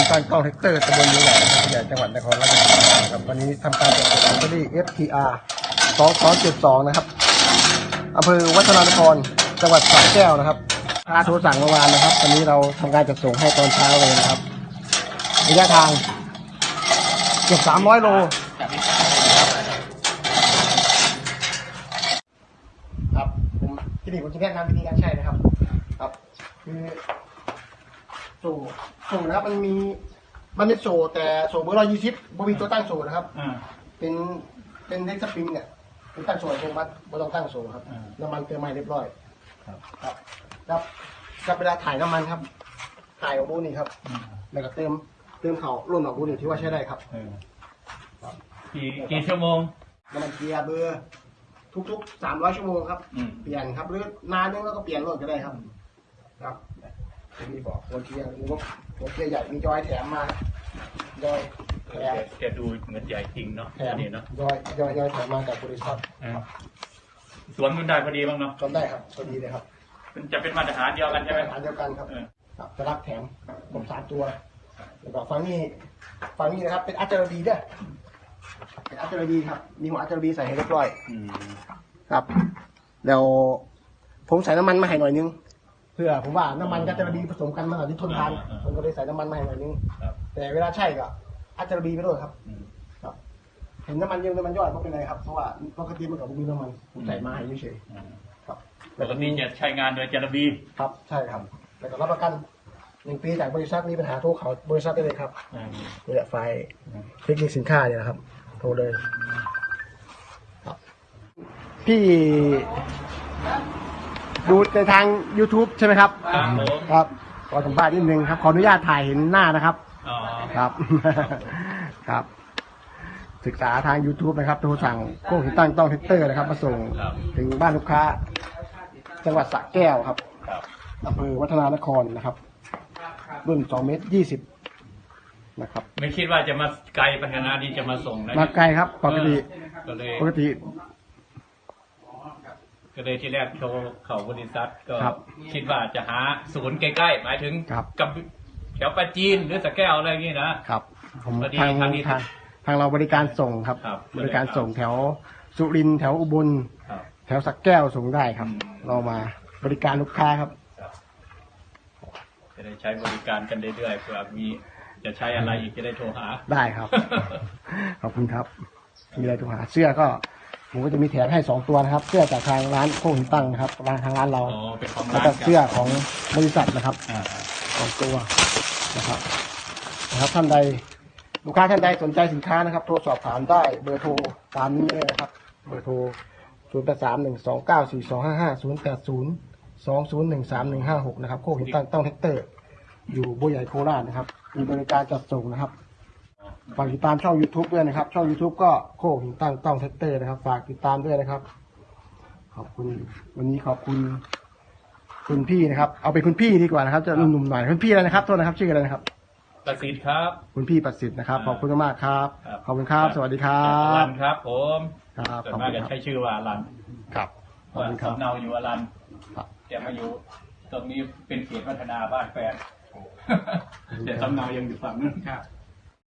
ตั้งกล้องแท็กเตอร์ตำบลยูใหญ่ใหญ่จังหวัดนครราชสีมาครับวันนี้ทำการจัดส่งลอตเตอรี่ FTR 2272นะครับอำเภอวัฒนานครจังหวัดสระแก้วนะครับโทรสั่งเมื่อวานนะครับวันนี้เราทำการจัดส่งให้ตอนเช้าเลยนะครับระยะทางเกือบ300 โลครับผมที่นี่ผมจะแนะนำวิธีการใช้นะครับครับคือโซ่นะครับมันเป็นโซ่แต่โซ่เบอร์120บ่มีตัวตั้งโซ่นะครับเป็นเล็กสปริงเนี่ยเป็นตั้งโซ่อัตโนมัติไม่ต้องตั้งโซ่ครับน้ำมันเติมใหม่เรียบร้อยครับเวลาถ่ายน้ำมันครับถ่ายออกบูนี่ครับแล้วก็เติมเขาร่นออกบูนี่ที่ว่าใช้ได้ครับกี่ชั่วโมงน้ำมันเกียร์เบอร์ทุก300 ชั่วโมงครับเปลี่ยนครับหรือนานนึงแล้วก็เปลี่ยนรถก็ได้ครับครับมีบอกหัวเกียร์หัวเกียร์ใหญ่มีจอยแถมมาจอยแถมแกดูเหมือนใหญ่จริงเนาะแถมเนาะจอยแถมมาจากบริษัทสวนมันได้พอดีบ้างเนาะก็ได้ครับพอดีเลยครับมันจะเป็นมาตรฐานเดียวกันใช่ไหมมาตรฐานเดียวกันครับจะรับแถมผม3 ตัวแล้วก็ฝั่งนี้นะครับเป็นอัจฉริยด้วยเป็นอัจฉริยครับมีหัวอัจฉริยใส่ให้เรียบร้อยครับแล้วผมใส่น้ำมันมาให้หน่อยนึงเพื่อผมว่าน้ำมันกับอัจฉริยผสมกันมันอาจจะทนทานผมก็เลยใส่น้ำมันมาให้หน่อยนึงแต่เวลาใช่ก็อัจฉริยไปด้วยครับเห็นน้ำมันเยอะน้ำมันย่อยไม่เป็นไรครับเพราะว่าปกติมันกับมีน้ำมันผมใส่มาให้เฉยๆครับปกติจะใช้งานโดยจารบีครับใช่ครับแล้วก็รับประกัน1 ปีจากบริษัทมีปัญหาโทรเขาบริษัทได้เลยครับเนี่ยไฟล์เทคนิคสินค้าเนี่ยนะครับโทรเลยพี่ดูในทาง YouTube ใช่ไหมครับครับขอสัมภาษณ์นิดนึงครับขออนุญาตถ่ายเห็นหน้านะครับครับครับศึกษาทาง YouTube นะครับโทรสั่งโค้งตั้งต้องแท็กเตอร์นะครับมาส่งถึงบ้านลูกค้าจังหวัดสระแก้วครับอำเภอวัฒนานครนะครับรุ่น2 เมตร 20นะครับไม่คิดว่าจะมาไกลปัญหาดีจะมาส่งนะมาไกลครับปกติก็เลยที่แรกโทรเข้าบริษัทก็คิดว่าจะหาศูนย์ใกล้ๆหมายถึงกับแถวปราจีนหรือสระแก้วอะไรอย่างนี้นะครับผมทางเราบริการส่งครับบริการส่งแถวสุรินทร์แถวอุบลแถวสระแก้วส่งได้ครับเรามาบริการลูกค้าครับจะได้ใช้บริการกันเรื่อยๆเผื่อมีจะใช้อะไรอีกจะได้โทรหาได้ครับขอบคุณครับมีอะไรโทรหาเสื้อก็ผมก็จะมีแถมให้2 ตัวนะครับเสื้อจากทางร้านโค้งตั้งนะครับทางร้านเราแล้วก็เสื้อของบริษัทนะครับ2 ตัวนะครับท่านใดลูกค้าท่านใดสนใจสินค้านะครับโทรสอบถามได้เบอร์โทรตามนี้เลยนะครับเบอร์โทร0831294250 0802013156นะครับโค้งตั้งแท็กเตอร์อยู่บัวใหญ่โคราชนะครับมีบริการจัดส่งนะครับฝากติดตามช่อง YouTube ด้วยนะครับช่อง YouTube ก็โค้งตั้งแท็กเตอร์นะครับฝากติดตามด้วยนะครับขอบคุณวันนี้ขอบคุณคุณพี่นะครับเอาเป็นคุณพี่ดีกว่านะครับจะหนุ่มๆหน่อยคุณพี่อะไรนะครับโทษนะครับชื่ออะไรนะครับประสิทธิ์ครับคุณพี่ประสิทธิ์นะครับขอบคุณมากครับขอบคุณครับสวัสดีครับอลันครับผมครับส่วนมากจะใช้ชื่อว่าอลันครับขอบคุณครับสำเนาอยู่อลันแต่มาอยู่ตรงนี้เป็นเขตพัฒนาบ้านแฟนแต่สำเนายังอยู่ฝั่งนู้นครับ